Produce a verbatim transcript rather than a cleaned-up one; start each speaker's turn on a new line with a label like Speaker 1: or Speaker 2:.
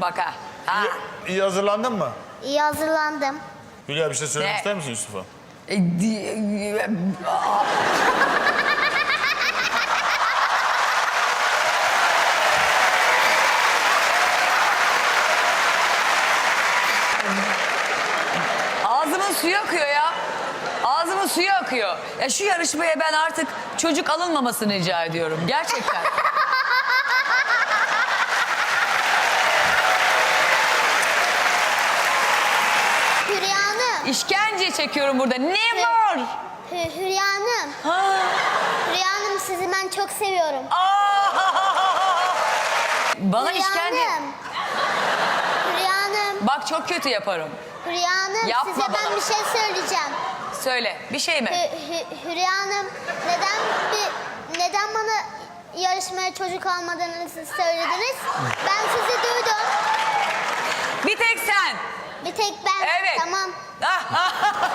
Speaker 1: bak ha. ha.
Speaker 2: İyi, iyi hazırlandın mı?
Speaker 3: İyi hazırlandım.
Speaker 2: Hülya bir şey söylemek
Speaker 1: Ne?
Speaker 2: ister misin Yusuf'a?
Speaker 1: E, di- Aa. Ağzımın suyu akıyor ya. Ağzımın suyu akıyor. Ya şu yarışmaya ben artık çocuk alınmamasını rica ediyorum. Gerçekten.
Speaker 3: Hülya Hanım.
Speaker 1: İşkence çekiyorum burada. Ne var?
Speaker 3: Hü- Hülya Hanım.
Speaker 1: Ha.
Speaker 3: Hülya Hanım sizi ben çok seviyorum.
Speaker 1: Aa! Bana
Speaker 3: Hülya
Speaker 1: işkence...
Speaker 3: Hanım. Hülya Hanım.
Speaker 1: Bak çok kötü yaparım.
Speaker 3: Hülya Hanım
Speaker 1: Yapma
Speaker 3: size
Speaker 1: bana.
Speaker 3: ben bir şey söyleyeceğim.
Speaker 1: Söyle. Bir şey mi?
Speaker 3: Hü- Hü- Hülya Hanım neden bir neden bana yarışmaya çocuk almadığınızı söylediniz? Ben sizi duydum.
Speaker 1: Bir tek sen.
Speaker 3: Bir tek ben.
Speaker 1: Evet.
Speaker 3: Tamam.